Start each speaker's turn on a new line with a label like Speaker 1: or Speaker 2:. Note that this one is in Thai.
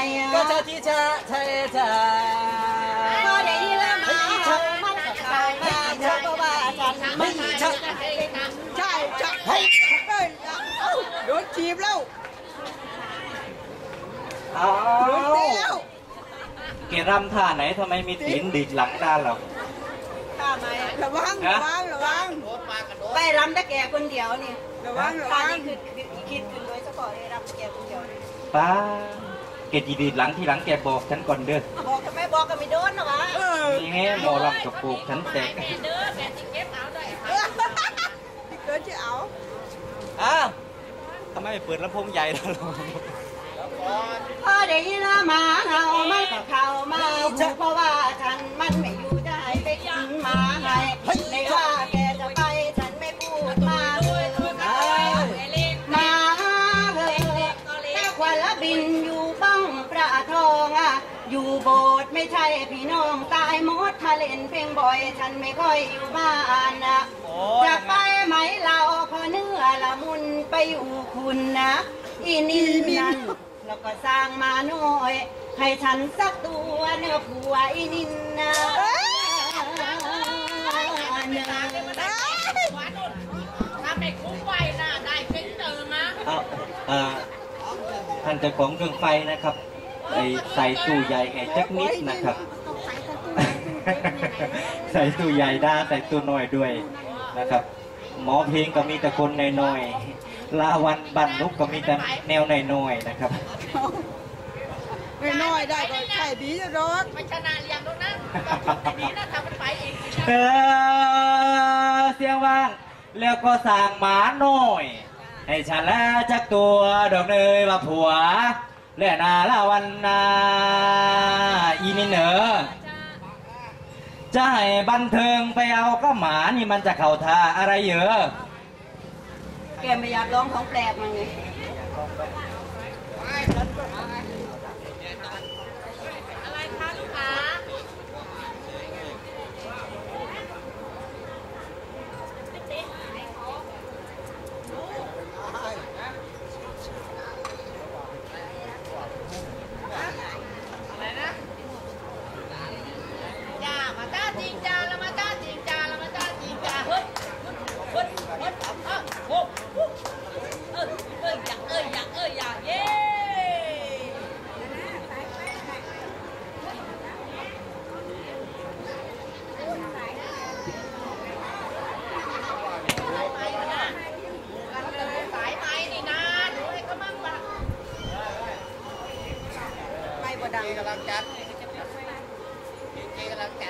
Speaker 1: ก็จะที่จะใช่จะ
Speaker 2: ก็ได้ยินแล้วมามันใช่เธอก็ว่าฉันไม่ใช่ใช่ใช่เฮ้ยโดนจีบแล้วโดนตีแล้ว
Speaker 1: เกรำท่าไหนทำไมมีตีนดิดหลังด้านเรา
Speaker 2: ท่าไหมระวังไปรำได้แก่คนเดียวนี่ระวังนี่คือคิดขึ้นโดยเฉพาะเลยรำแก่คนเดียว
Speaker 1: ป้าเกจีดีดหลังที่หลังแกบอกฉันก่อนเด้อ
Speaker 2: บอกทำไมบอกก็ไม่โดนหรอวะ
Speaker 1: นี่แง่หมอลำกับปลูกฉันแตก
Speaker 2: เด้อแกจะเก็บเอาด้วยที่เกิดจะเอา
Speaker 1: ทำไมเปิดลำโพงใหญ่ล่ะ
Speaker 2: พอได้ยินมาเห่ามันก็เข้ามาเพราะว่าฉันมันไม่อยู่ได้ไปกินมาให้ในว่าแกจะไปฉันไม่พูดมาเลยมาเลยแต่ควันละบินอยู่บ้องประทองอยู่โบสถ์ไม่ใช่พี่น้องตายหมดมาเล่นเพลงบ่อยฉันไม่ค่อยอยู่บ้านจะไปไหมเราพอเนื้อละมุนไปอยู่คุณนะอีนี่นั่นแล้วก็สร้างมาหน่อยให้ฉันสักตัวเนื้อผัวอีนินนะถ้าไม่คุ้มไว้นะได้เพิ่งเจอมา
Speaker 1: ท่านเจ้าของเครื่องไฟนะครับใส่ตู้ใหญ่ไงจักนิดนะครับใส่ตู้ใหญ่ได้ใส่ตู้น้อยด้วยนะครับหมอเพลงก็มีแต่คนน้อยๆลาวันบันนุกก็มีแต่แนวน้อยๆนะครับ
Speaker 2: น้อยได้ก็ใช่ดีจะรอดมันชนะเรียงแล้วนะดีนะทำมันไปเอง
Speaker 1: เสียงว่างแล้วก็สั่งหมาหน่อยให้ฉันแล้วจักตัวดอกเนยว่าผัวและนาละวันนาอีนี่เหนอจะให้บันเทิงไปเอาก็หมานี่มันจะเข่าท่าอะไรเยอะ
Speaker 2: แกไม่อยากร้องของแปลกมันไงอะไรคะลูกค้ากำลังจัดกำลัง